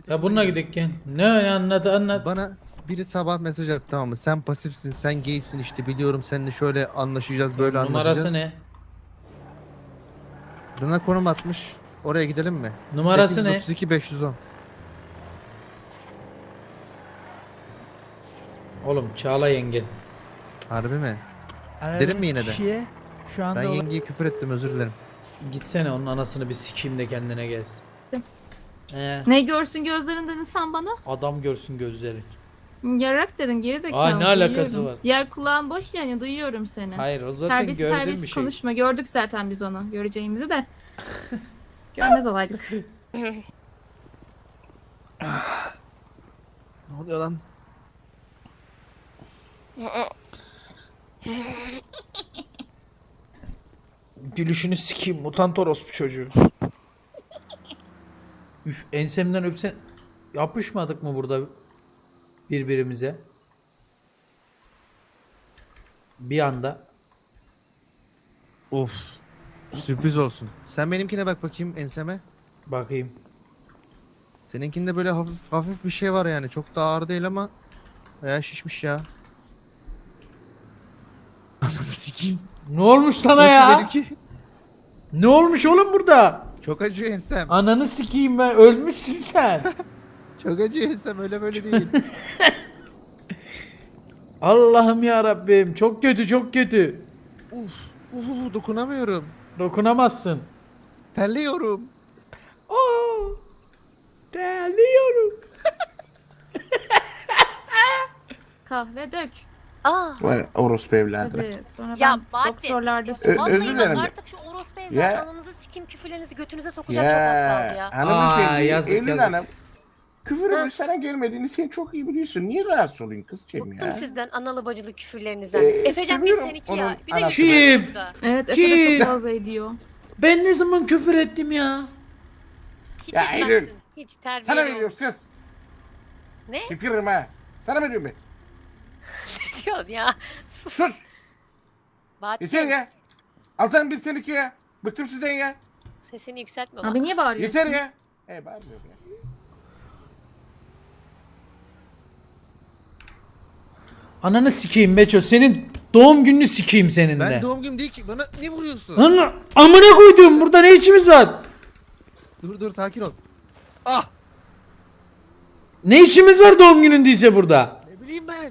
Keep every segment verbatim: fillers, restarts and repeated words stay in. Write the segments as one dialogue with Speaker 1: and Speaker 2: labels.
Speaker 1: Ya bununla gidelim gel. Ne anladı anlat.
Speaker 2: Bana biri sabah mesaj attı, tamam mı? Sen pasifsin, sen gaysin işte, biliyorum seninle şöyle anlaşacağız, böyle
Speaker 1: Tamam, numarası
Speaker 2: anlaşacağız.
Speaker 1: ne?
Speaker 2: Bana konum atmış. Oraya gidelim mi?
Speaker 1: Numarası ne?
Speaker 2: sekiz otuz iki beş yüz on.
Speaker 1: Oğlum Çağla yengen.
Speaker 2: Harbi mi?
Speaker 3: Aradığınız
Speaker 2: Dedim mi yine de?
Speaker 3: kişiye şu anda
Speaker 2: Ben
Speaker 3: olan-
Speaker 2: yengeye küfür ettim, özür dilerim.
Speaker 1: Gitsene onun anasını bir sikeyim de kendine gelsin. Ee,
Speaker 4: Ne görsün gözlerinden insan bana?
Speaker 1: adam görsün gözleri.
Speaker 4: Yarak dedin gerizekalı.
Speaker 1: Aa, ne alakası
Speaker 4: duyuyorum.
Speaker 1: var?
Speaker 4: Diğer kulağın boş yani duyuyorum seni.
Speaker 1: Hayır o zaten
Speaker 4: Terbiyesiz
Speaker 1: gördüğüm bir
Speaker 4: terbiyesiz
Speaker 1: şey.
Speaker 4: konuşma. Gördük zaten biz onu. Göreceğimizi de. Görmez olaydık.
Speaker 2: Ne oluyor lan?
Speaker 1: Gülüşünü sikeyim mutant orospu çocuğu. Üf, ensemden öpsen yapışmadık mı burada birbirimize? Bir anda.
Speaker 2: Of. Sürpriz olsun. Sen benimkine bak bakayım, enseme.
Speaker 1: Bakayım.
Speaker 2: Seninkinde böyle hafif hafif bir şey var yani. Çok da ağır değil ama bayağı şişmiş ya. Ananı sikeyim.
Speaker 1: Ne olmuş sana
Speaker 2: Nasıl
Speaker 1: ya?
Speaker 2: benimki?
Speaker 1: Ne olmuş oğlum burada?
Speaker 2: Çok acıyor ensem.
Speaker 1: Ananı sikeyim ben, ölmüşsün sen.
Speaker 2: Çok acıyor ensem, öyle böyle değil.
Speaker 1: Allah'ım ya Rabbim, çok kötü çok kötü.
Speaker 2: Uf, uf, dokunamıyorum.
Speaker 1: Dokunamazsın.
Speaker 2: Terliyorum.
Speaker 1: Oo, terliyorum.
Speaker 4: Kahve dök.
Speaker 5: Aa.
Speaker 6: Vay orospu evladı.
Speaker 4: Hadi sonra
Speaker 5: Ya
Speaker 4: ben
Speaker 5: Bahattin.
Speaker 4: doktorlarda
Speaker 6: Ö-
Speaker 4: sor.
Speaker 5: Vallahi
Speaker 6: özür
Speaker 5: bak
Speaker 6: dilerim.
Speaker 5: artık şu orospu
Speaker 6: Ya.
Speaker 5: evladı ananızı sikeyim küfürlerinizi götünüze sokacağım çok az kaldı ya.
Speaker 6: hanımefendi,
Speaker 1: Aa, yazık,
Speaker 6: Eylül
Speaker 1: yazık.
Speaker 6: Hanım. Küfürün
Speaker 5: Ha.
Speaker 6: sana gelmediğini sen çok iyi biliyorsun. Niye rahatsız olayım kızcığım
Speaker 5: Bıktım
Speaker 6: ya?
Speaker 5: sizden analı bacılı küfürlerinizden.
Speaker 6: Ee,
Speaker 5: Efecan bir
Speaker 6: seviyorum
Speaker 5: sen iki
Speaker 6: onun
Speaker 5: ya. Bir de
Speaker 6: anasını.
Speaker 5: Yusuf
Speaker 1: Kim?
Speaker 5: burada.
Speaker 4: Evet Efe de
Speaker 1: Kim?
Speaker 4: çok fazla ediyor.
Speaker 1: Ben ne zaman küfür ettim ya?
Speaker 5: Hiç
Speaker 6: Ya
Speaker 5: etmezsin.
Speaker 6: Eylül,
Speaker 5: Hiç
Speaker 6: Sana
Speaker 5: terbiyeli ol.
Speaker 6: veriyoruz kız.
Speaker 5: Ne
Speaker 6: Tükürürüm ha. Sana veriyorum ben.
Speaker 5: diyorsun ya?
Speaker 6: Sus.
Speaker 5: Bahattin
Speaker 6: Yeter ya. Altan bir sen iki ya. Bıktım sizden ya.
Speaker 5: sesini yükseltme bak.
Speaker 4: Abi niye bağırıyorsun?
Speaker 6: Yeter ya. E bağırmıyorum ya.
Speaker 1: Ananı sikeyim Beço, senin doğum gününü sikeyim seninle.
Speaker 2: Ben doğum günüm değil ki. Bana ne vuruyorsun?
Speaker 1: Lan amına koydum, burada ne içimiz var?
Speaker 2: Dur dur, sakin ol. Ah!
Speaker 1: Ne işimiz var doğum günündeyse burada?
Speaker 2: Ne bileyim ben.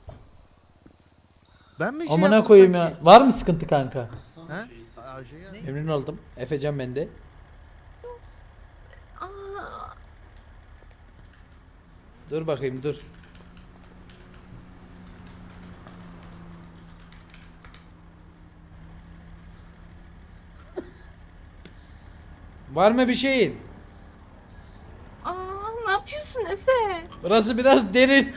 Speaker 2: Ben mi şey
Speaker 1: Amına
Speaker 2: yaptım
Speaker 1: koyayım
Speaker 2: sanki?
Speaker 1: ya. Var mı sıkıntı kanka?
Speaker 2: Ha? Aa, şey ya.
Speaker 1: Memnun oldum. Efecan bende.
Speaker 4: Aa,
Speaker 1: Dur bakayım dur. Var mı bir şeyin?
Speaker 4: aa, ne yapıyorsun Efe?
Speaker 1: Burası biraz derin.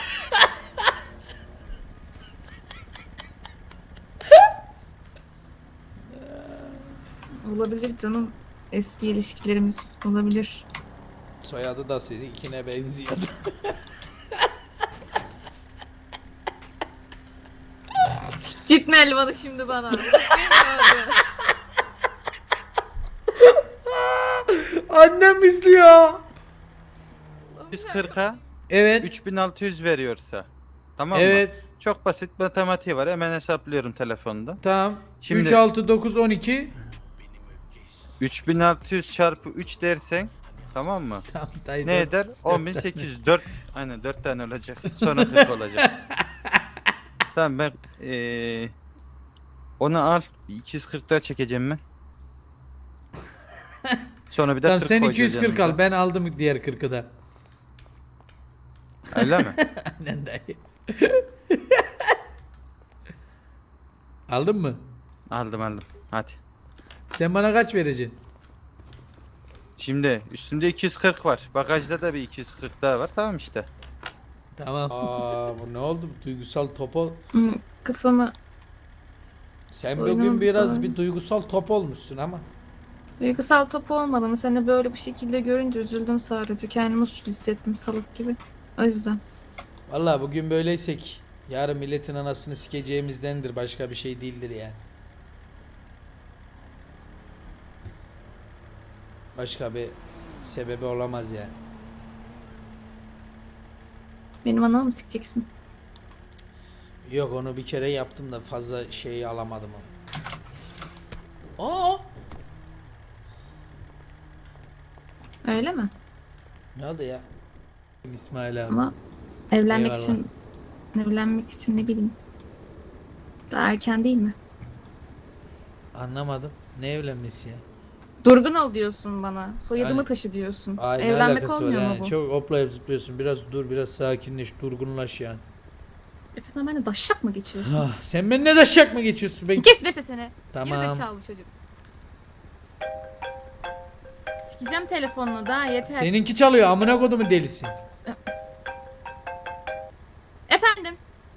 Speaker 4: Olabilir canım. Eski ilişkilerimiz olabilir.
Speaker 1: Soyadı da seninkine benziyordu.
Speaker 4: Gitme elvanı şimdi bana.
Speaker 1: Annem izliyor.
Speaker 7: yüz kırka
Speaker 1: Evet.
Speaker 7: üç bin altı yüz veriyorsa. Tamam mı?
Speaker 1: Evet.
Speaker 7: Çok basit matematiği var. Hemen hesaplıyorum telefonda.
Speaker 1: Tamam.
Speaker 7: Şimdi-
Speaker 1: üç, altı, dokuz, on iki.
Speaker 7: üç bin altı yüz çarpı üç dersen tamam mı?
Speaker 1: Tamam dayı.
Speaker 7: Ne
Speaker 1: dört.
Speaker 7: eder? on bin sekiz yüz. dört. Aynen dört tane olacak. Sonra kırk olacak. Tamam ben eee onu al. iki yüz kırk daha çekeceğim ben. Sonra bir de
Speaker 1: Tamam
Speaker 7: kırk
Speaker 1: sen
Speaker 7: koyacağız
Speaker 1: iki yüz kırk
Speaker 7: yanımıza.
Speaker 1: al. Ben aldım diğer kırkı da.
Speaker 7: Öyle mi?
Speaker 1: Aynen dayı. Aldın mı?
Speaker 7: Aldım aldım. Hadi.
Speaker 1: Sen bana kaç vereceksin?
Speaker 7: Şimdi üstümde iki yüz kırk var. Bagajda da bir iki yüz kırk daha var. Tamam işte.
Speaker 1: Tamam. Aa bu ne oldu? Duygusal topo.
Speaker 4: Hı, Kafamı
Speaker 1: Sen
Speaker 4: Oyunum
Speaker 1: bugün biraz
Speaker 4: falan.
Speaker 1: bir duygusal top olmuşsun ama.
Speaker 4: duygusal top olmadım. Seni böyle bu şekilde görünce üzüldüm sadece. Kendimi suçlu hissettim salak gibi. O yüzden.
Speaker 1: Vallahi bugün böyleysek yarın milletin anasını sikeceğimizdendir. Başka bir şey değildir yani. Başka bir sebebi olamaz yani.
Speaker 4: Benim anamı mı sikeceksin?
Speaker 1: Yok onu bir kere yaptım da fazla şeyi alamadım onu. Aa!
Speaker 4: Öyle mi?
Speaker 1: Ne oldu ya? İsmail abi.
Speaker 4: Ama evlenmek
Speaker 1: Eyvallah.
Speaker 4: için evlenmek için ne bileyim. Daha erken değil mi?
Speaker 1: Anlamadım. Ne evlenmesi ya?
Speaker 4: Durgun ol diyorsun bana. Soyadımı
Speaker 1: Yani-
Speaker 4: taşı diyorsun.
Speaker 1: Ay ne
Speaker 4: Evlenmek
Speaker 1: alakası var
Speaker 4: olmuyor mu
Speaker 1: yani?
Speaker 4: bu?
Speaker 1: Çok hoplayıp zıplıyorsun. Biraz dur, biraz sakinleş, durgunlaş yani.
Speaker 4: Efe sen benimle daşşak mı geçiyorsun?
Speaker 1: Ah, sen benimle de şak mı geçiyorsun? Ben...
Speaker 4: Kes be sesini.
Speaker 1: Tamam.
Speaker 4: Gerizekalı çocuk. Sikeceğim telefonunu da yeter.
Speaker 1: Seninki çalıyor amına kodumun delisi.
Speaker 4: Efendim?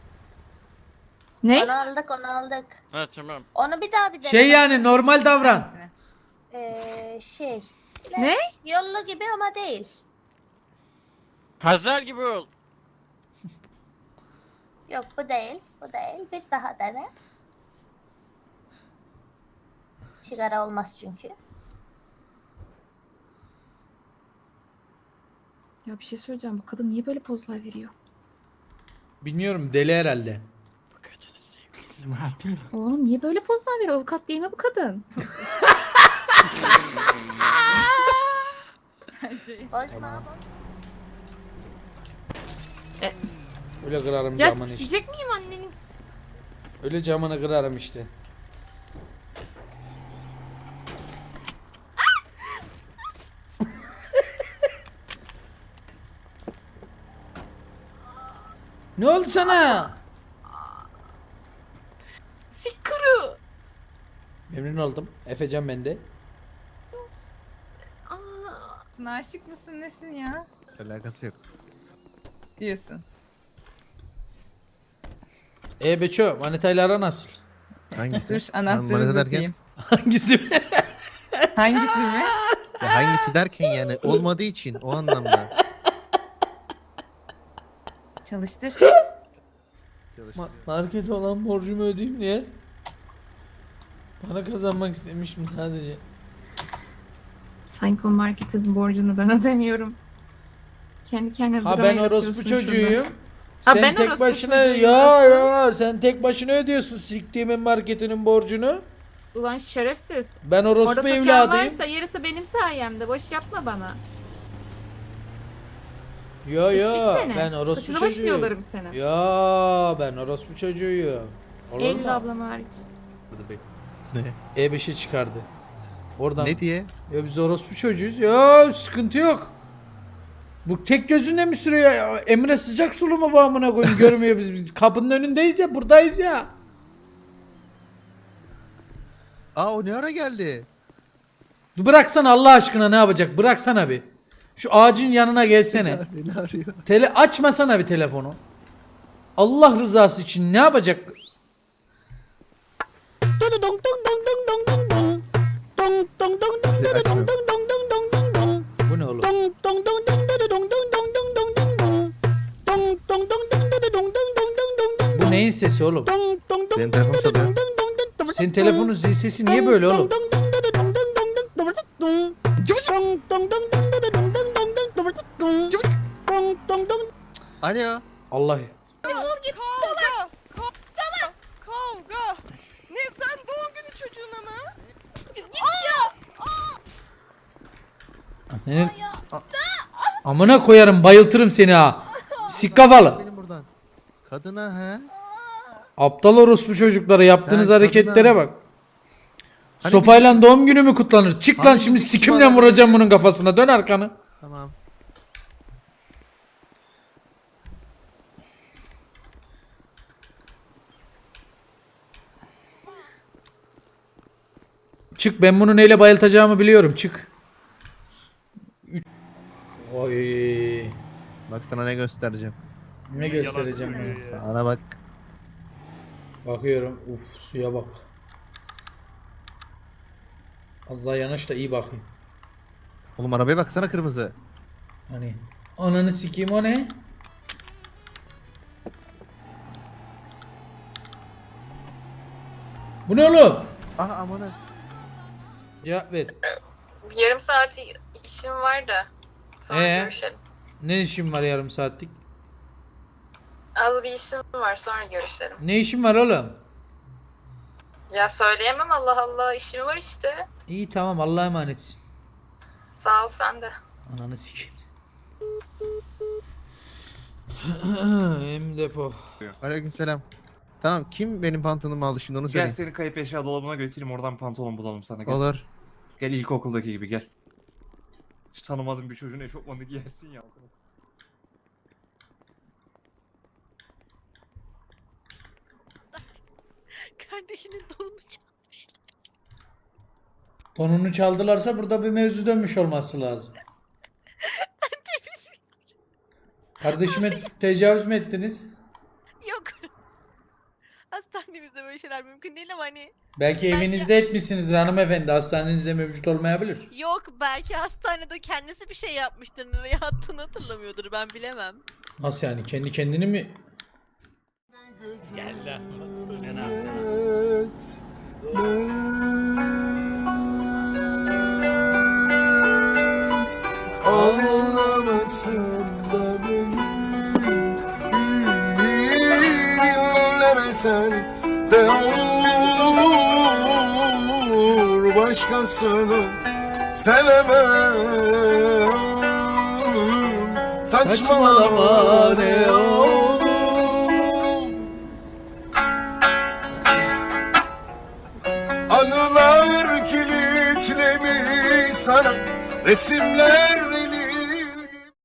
Speaker 4: Ne?
Speaker 8: Onu aldık, onu aldık.
Speaker 7: Ha tamam.
Speaker 8: Onu bir daha bir
Speaker 1: Şey yani normal davran.
Speaker 8: Ee, şey.
Speaker 4: Ne?
Speaker 8: Yollu gibi ama değil.
Speaker 7: Hazar gibi ol.
Speaker 8: Yok bu değil, bu değil. Bir daha dene. Sigara olmaz çünkü.
Speaker 4: Ya bir şey söyleyeceğim. Bu kadın niye böyle pozlar veriyor?
Speaker 1: Bilmiyorum deli herhalde.
Speaker 4: Oğlum niye böyle pozlar veriyor? Avukat değil mi bu kadın?
Speaker 8: Bozma.
Speaker 1: Öyle kırarım
Speaker 4: Ya
Speaker 1: camını işte.
Speaker 4: sikecek miyim annenin?
Speaker 1: Öyle camını kırarım işte. Ne oldu sana?
Speaker 4: Sikuru.
Speaker 1: Memnun oldum. Efecan bende.
Speaker 9: Sen aşık mısın nesin ya?
Speaker 2: Alakası yok.
Speaker 9: Diyorsun.
Speaker 1: E Beço, manitayla ara nasıl?
Speaker 2: Hangisi?
Speaker 9: Dur
Speaker 2: Manita
Speaker 9: anahtarı
Speaker 2: derken?
Speaker 9: uzatayım.
Speaker 1: Hangisi mi?
Speaker 9: Hangisi mi?
Speaker 2: Ya hangisi derken yani olmadığı için o anlamda.
Speaker 9: Çalıştır.
Speaker 1: Ma- markete olan borcumu ödeyeyim diye. Para kazanmak istemişim sadece.
Speaker 4: Sanki o marketin borcunu ben ödemiyorum. Kendi kendine
Speaker 1: Ha
Speaker 4: drama
Speaker 1: ben
Speaker 4: yaratıyorsun
Speaker 1: orospu
Speaker 4: şurada.
Speaker 1: çocuğuyum.
Speaker 4: Ha,
Speaker 1: Sen
Speaker 4: ben
Speaker 1: tek
Speaker 4: orospu
Speaker 1: başına
Speaker 4: çocuğuyum
Speaker 1: ya
Speaker 4: aslında.
Speaker 1: ya sen tek başına ödüyorsun siktiğimin marketinin borcunu.
Speaker 4: Ulan şerefsiz.
Speaker 1: Ben
Speaker 4: Orada
Speaker 1: orospu
Speaker 4: token
Speaker 1: evladıyım.
Speaker 4: varsa yarısı benim sayemde. Boş yapma bana.
Speaker 1: Yo yo
Speaker 4: Eşek seni.
Speaker 1: ben orospu
Speaker 4: Saçını başını
Speaker 1: çocuğuyum.
Speaker 4: yolarım seni.
Speaker 1: Ya ben orospu çocuğuyum. Olur
Speaker 4: Eylül
Speaker 1: mu?
Speaker 4: ablam hariç.
Speaker 2: Ne?
Speaker 1: E beşe çıkardı. Oradan.
Speaker 2: Ne diye?
Speaker 1: Ya biz orospu çocuğuyuz. Ya sıkıntı yok. Bu tek gözünde mi sürüyor ya? Emre sıcak sulu mu bu amına koyayım görmüyor biz, biz kapının önündeyiz ya buradayız ya.
Speaker 2: Aa o ne ara geldi?
Speaker 1: Bıraksana Allah aşkına ne yapacak bıraksana bir. Şu ağacın yanına gelsene.
Speaker 2: Beni arıyor.
Speaker 1: Tele açmasana bir telefonu. Allah rızası için ne yapacak? Bu ne oğlum? Bu neyin sesi oğlum?
Speaker 2: Benim telefon çalıyor.
Speaker 1: Senin telefonun zil sesi niye böyle oğlum?
Speaker 2: Alo.
Speaker 1: Allah.
Speaker 10: Kavga! Kavga! Kavga! Ne sen doğum günü çocuğuna mı?
Speaker 1: Senin A- amına koyarım bayıltırım seni ha. Sik kafalı.
Speaker 2: Benim buradan. Kadına he?
Speaker 1: Aptal orospu çocuklara yaptığınız
Speaker 2: Sen
Speaker 1: hareketlere
Speaker 2: kadına-
Speaker 1: bak.
Speaker 2: Hani
Speaker 1: Sopayla doğum günü mü kutlanır? Çık lan
Speaker 2: Hani
Speaker 1: şimdi
Speaker 2: bizim
Speaker 1: sikimle
Speaker 2: adam-
Speaker 1: vuracağım bunun kafasına. Dön arkanı.
Speaker 2: Tamam.
Speaker 1: Çık ben bunu neyle bayıltacağımı biliyorum. Çık. Üç- Oy.
Speaker 2: Bak sana ne göstereceğim.
Speaker 1: Ne göstereceğim ben?
Speaker 2: Sana bak.
Speaker 1: Bakıyorum. Uf suya bak. Az daha yanaş da iyi bakayım.
Speaker 2: Oğlum arabaya baksana kırmızı.
Speaker 1: Hani ananı sikeyim o ne? Bu ne oğlum?
Speaker 2: Aha aman ha.
Speaker 1: Cevap ver.
Speaker 4: Yarım saat işim var da. Sonra
Speaker 1: Ee?
Speaker 4: görüşelim.
Speaker 1: Ne işin var yarım saatlik?
Speaker 4: Az bir işim var, sonra görüşelim.
Speaker 1: Ne işin var oğlum?
Speaker 4: Ya söyleyemem, Allah Allah, işim var işte.
Speaker 1: İyi tamam, Allah'a emanetsin.
Speaker 4: Sağ ol, sen de.
Speaker 1: Ananı sikeyim. Hem depo.
Speaker 2: Aleykümselam. Tamam, kim benim pantolonumu aldı şimdi onu
Speaker 11: Gel
Speaker 2: söyle.
Speaker 11: seni kayıp eşya dolabına götüreyim, oradan pantolon bulalım sana. Gel.
Speaker 2: Olur.
Speaker 11: Gel ilkokuldaki gibi gel. Hiç tanımadığın bir çocuğun eşofmanı giyersin ya.
Speaker 10: Kardeşinin donunu çalmışlar.
Speaker 1: Donunu çaldılarsa burada bir mevzu dönmüş olması lazım. Kardeşime tecavüz mü ettiniz?
Speaker 10: Yok. Hastanemizde böyle şeyler mümkün değil ama hani.
Speaker 1: Belki evinizde etmişsinizdir hanımefendi. Hastanenizde mevcut olmayabilir.
Speaker 10: Yok, belki hastanede kendisi bir şey yapmıştır. Nereye attığını hatırlamıyordur, ben bilemem.
Speaker 1: Nasıl yani? Kendi kendini mi?
Speaker 6: Ağlamasın da dinlemesen de olur, başkasını sevemem. Saçmalama ne olur. Anılar kilitlemiş sana, resimler